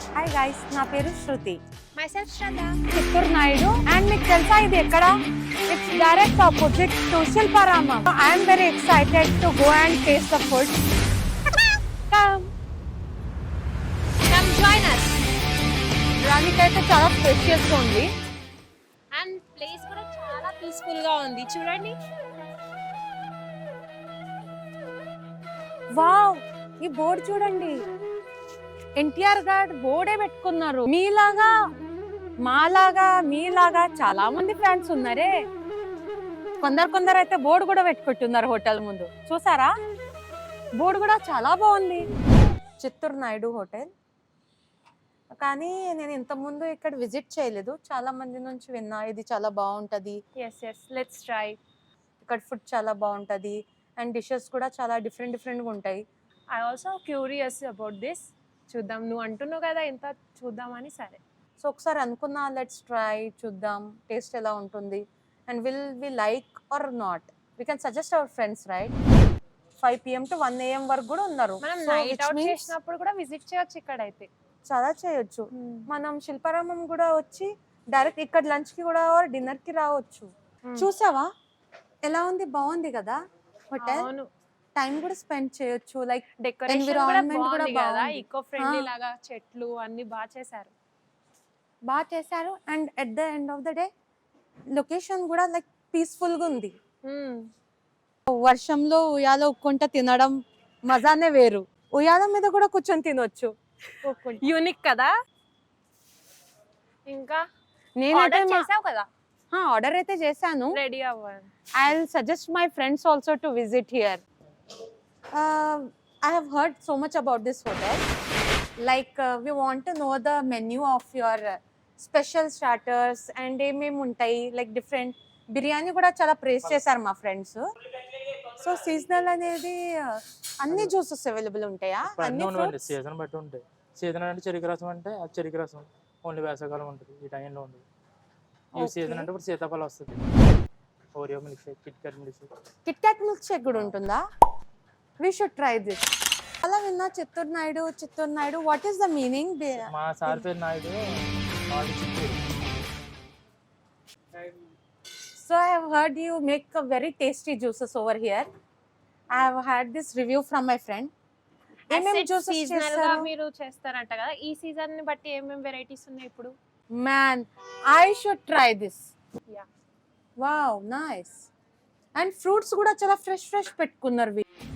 Hi guys, నా పేరు Shruti. myself Shraddha. Chittoor Naidu. And మీకు తెలుసా ఇది ఎక్కడ? It's direct opposite to Shilparamam. I'm very excited to go and taste the food. Come join us. దానికైతే చాలా స్పెషియస్ గా ఉంది. And place కూడా చాలా పీస్ఫుల్ గా ఉంది, చూడండి. వావ్, ఈ బోర్డు చూడండి. ఎన్టీఆర్ గారు బోర్డే పెట్టుకున్నారు. మీలాగా మీలాగా చాలా మంది ఫ్యాన్స్ ఉన్నారే. కొందరు అయితే బోర్డు కూడా పెట్టుకుంటున్నారు హోటల్ ముందు. చూసారా? బోర్డు కూడా చాలా బాగుంది. చిత్తూరు నాయుడు హోటల్. కానీ నేను ఇంత ముందు ఇక్కడ విజిట్ చేయలేదు. చాలా మంది నుంచి విన్నా ఇది చాలా బాగుంటది. Yes, let's try. ఇక్కడ ఫుడ్ చాలా బాగుంటది అండ్ డిషెస్ కూడా చాలా డిఫరెంట్ గా ఉంటాయి. I also curious about this. చూద్దాం, నువ్వు అంటున్నావు కదా ఎంత చూద్దామని. సరే, సో ఒకసారి అనుకున్నా లెట్స్ ట్రై, చూద్దాం టేస్ట్ ఎలా ఉంటుంది and will we like or not. We can suggest our friends, right? 5 PM to 1 AM వరకు కూడా ఉన్నారు. మనం So, night which out means చేసినప్పుడు కూడా విజిట్ చేయొచ్చు ఇక్కడైతే. చాలా చేయొచ్చు. మనం శిల్పారామం కూడా వచ్చి డైరెక్ట్ ఇక్కడ లంచ్ కి కూడా డిన్నర్ కి రావచ్చు. చూసావా ఎలా ఉంది? బాగుంది కదా హోటల్. అవును, టైం కూడా స్పెండ్ చేయొచ్చు. లైక్ డెకరేషన్ కూడా environment కూడా బాగుంది కదా, బాగుంది. ఈకో ఫ్రెండ్లీ లాగా చెట్లు అన్ని బాగా చేశారు. And at the end of the day location కూడా లైక్ పీస్ఫుల్ గా ఉంది. వర్షంలో ఉయ్యాల ఉక్కుంట తినడం మజానే వేరు. ఉయ్యాల మీద కూడా కూర్చొని తినొచ్చు. యూనిక్ కదా. ఇంకా నేనైతే ఆర్డర్ చేసావు కదా? ఆర్డర్ అయితే చేశాను. రెడీ అవ్వాలి. I'll suggest my friends also to visit here. I have heard so much about this hotel. Like we want to know the menu of your special starters and ఏమేమి ఉంటాయి. Like different biryani కూడా చాలా praise చేశారు మా friends. So seasonal అనేది అన్ని juices available ఉంటాయా? అన్ని సీజన్ బట్టి ఉంటాయి. సీజన్ అంటే చెరుకు రసం అంటే ఆ చెరుకు రసం ఓన్లీ వేసవకాలం ఉంటుంది, ఈ టైంలో ఉంటుంది. ఈ సీజన్ అంటే ఇప్పుడు సీతాఫలం వస్తుంది. Oreo milk shake, KitKat milk shake కూడా ఉంటుందా? We should try this. అలా విన్నా Chittoor Naidu. What is the meaning? మా సార్ పేరు Naidu. So I have heard you make a very tasty juices over here. I have had this review from my friend. ఏమేం juices seasonal గా చేస్తారు? మీరు చేస్తారంట కదా, ఈ సీజన్ ని బట్టి ఏమేం వెరైటీస్ ఉన్నాయి ఇప్పుడు? Man, I should try this. Yeah. Wow, nice. And fruits కూడా చాలా ఫ్రెష్ పెట్టుకున్నారు.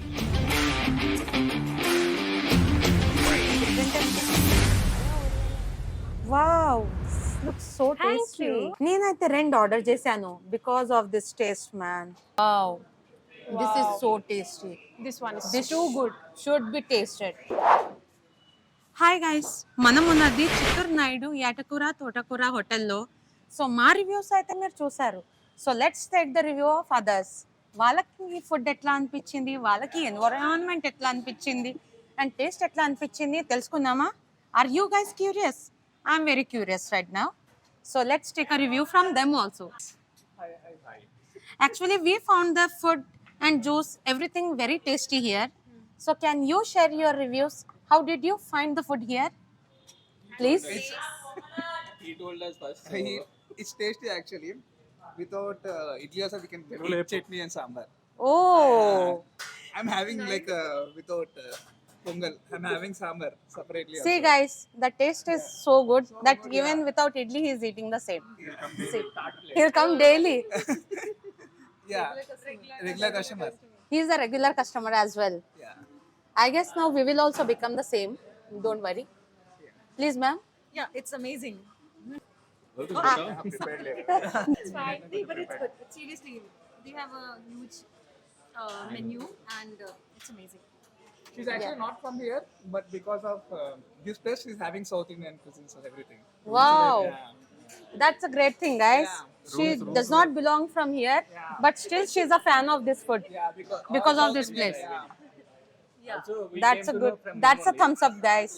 Wow, this looks so Thank tasty. you. నేనైతే 2 ఆర్డర్ చేశాను because of this taste, man. Wow. This is so tasty. This one is This too good. Should be tasted. Hi guys, మనం ఉన్నది చిత్తూరు నాయుడు ఏటకూర తోటకూర హోటల్లో. So మా reviews అయితే మీరు చూసారు. So let's take the review of others. వాళ్ళకి ఈ ఫుడ్ ఎట్లా అనిపించింది, వాళ్ళకి ఎన్విరాన్మెంట్ ఎట్లా అనిపించింది అండ్ టేస్ట్ ఎట్లా అనిపించింది తెలుసుకుందామా? Are you guys curious? I'm very curious right now. So let's take a review from them also. Actually, we found the food and juice, everything very tasty here. So can you share your reviews? How did you find the food here? Please. He told us first. It's tasty actually. Without idli also we can get chutney and sambar. Oh. I'm having like without pongal. I'm having sambar separately. See also. guys, the taste is so good that even without idli he is eating the same. See, he'll come daily. Yeah, regular customer. He is a regular customer as well. Yeah. I guess now we will also become the same. Don't worry. Please, ma'am. Yeah, it's amazing. It's fine, but it's good. But seriously, they have a huge menu and it's amazing. She's actually not from here, but because of this place, she's having South Indian cuisines and everything. Wow. Yeah. That's a great thing, guys. Yeah. She does not belong from here, but still she's a fan of this food Yeah, because of South this Indian, place. Yeah. Yeah. That's a good. That's a thumbs up, guys.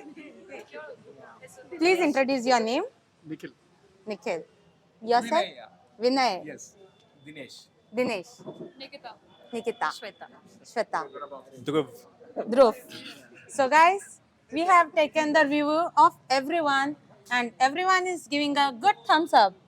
Please introduce your name. Nikhil. Nikhil. Yourself? Vinay, yeah. Vinay. Yes. Dinesh. Dinesh. Nikita. Shweta. Shweta. Dhruv. So guys, we have taken the review of everyone and everyone is giving a good thumbs up.